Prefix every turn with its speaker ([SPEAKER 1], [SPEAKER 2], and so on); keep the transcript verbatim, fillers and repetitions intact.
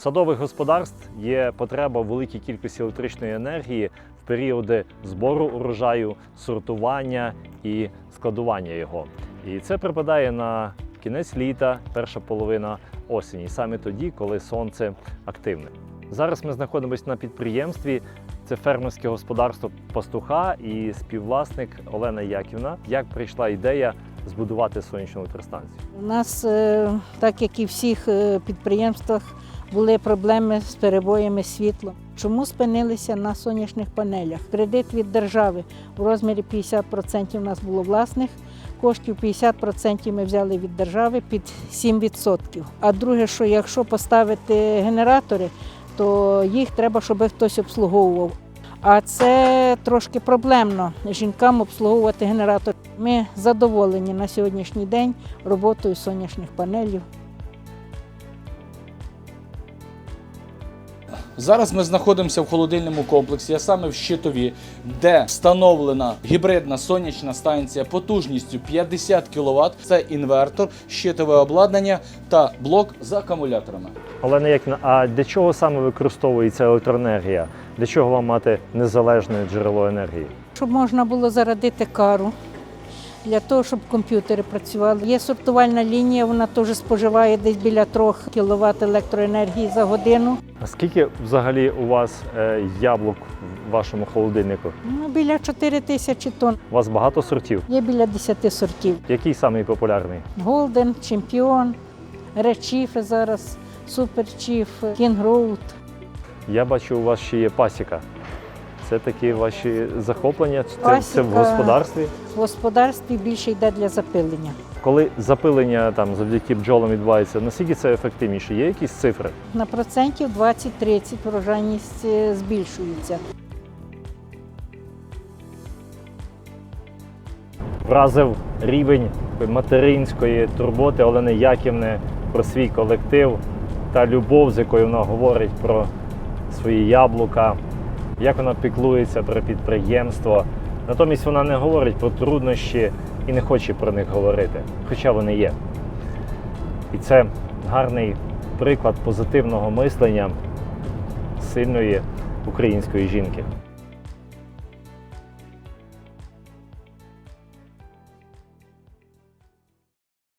[SPEAKER 1] садових господарств є потреба в великій кількості електричної енергії в періоди збору урожаю, сортування і складування його. І це припадає на кінець літа, перша половина осені, саме тоді, коли сонце активне. Зараз ми знаходимося на підприємстві. Це фермерське господарство пастуха і співвласник Олена Яківна. Як прийшла ідея збудувати сонячну електростанцію?
[SPEAKER 2] У нас, так як і в всіх підприємствах, були проблеми з перебоями світла. Чому спинилися на сонячних панелях? Кредит від держави в розмірі п'ятдесят відсотків у нас було власних коштів, п'ятдесят відсотків ми взяли від держави під сім відсотків. А друге, що якщо поставити генератори, то їх треба, щоб хтось обслуговував. А це трошки проблемно жінкам обслуговувати генератор. Ми задоволені на сьогоднішній день роботою сонячних панелів.
[SPEAKER 3] Зараз ми знаходимося в холодильному комплексі, а саме в Щитові, де встановлена гібридна сонячна станція потужністю п'ятдесят кіловат. Це інвертор, щитове обладнання та блок з акумуляторами.
[SPEAKER 1] Олена Яківна, а для чого саме використовується електроенергія? Для чого вам мати незалежне джерело енергії?
[SPEAKER 2] Щоб можна було зарядити кару, для того, щоб комп'ютери працювали. Є сортувальна лінія, вона теж споживає десь біля трьох кіловат електроенергії за годину.
[SPEAKER 1] А скільки взагалі у вас е, яблук в вашому холодильнику?
[SPEAKER 2] Ну, біля чотири тисячі тонн.
[SPEAKER 1] У вас багато сортів?
[SPEAKER 2] Є біля десяти сортів.
[SPEAKER 1] Який самий популярний?
[SPEAKER 2] Голден, Чемпіон, Редчіф зараз, Суперчіф, Кінгроуд.
[SPEAKER 1] Я бачу, у вас ще є пасіка. Це такі ваші захоплення? Це,
[SPEAKER 2] Пасіка.
[SPEAKER 1] це в господарстві?
[SPEAKER 2] В господарстві більше йде для запилення.
[SPEAKER 1] Коли запилення там завдяки бджолам відбувається, наскільки це ефективніше? Є якісь цифри?
[SPEAKER 2] На процентів двадцять-тридцять врожайність збільшується.
[SPEAKER 1] Вразив рівень материнської турботи Олени Яківни про свій колектив та любов, з якою вона говорить про свої яблука, як вона піклується про підприємство. Натомість вона не говорить про труднощі і не хоче про них говорити, хоча вони є. І це гарний приклад позитивного мислення сильної української жінки.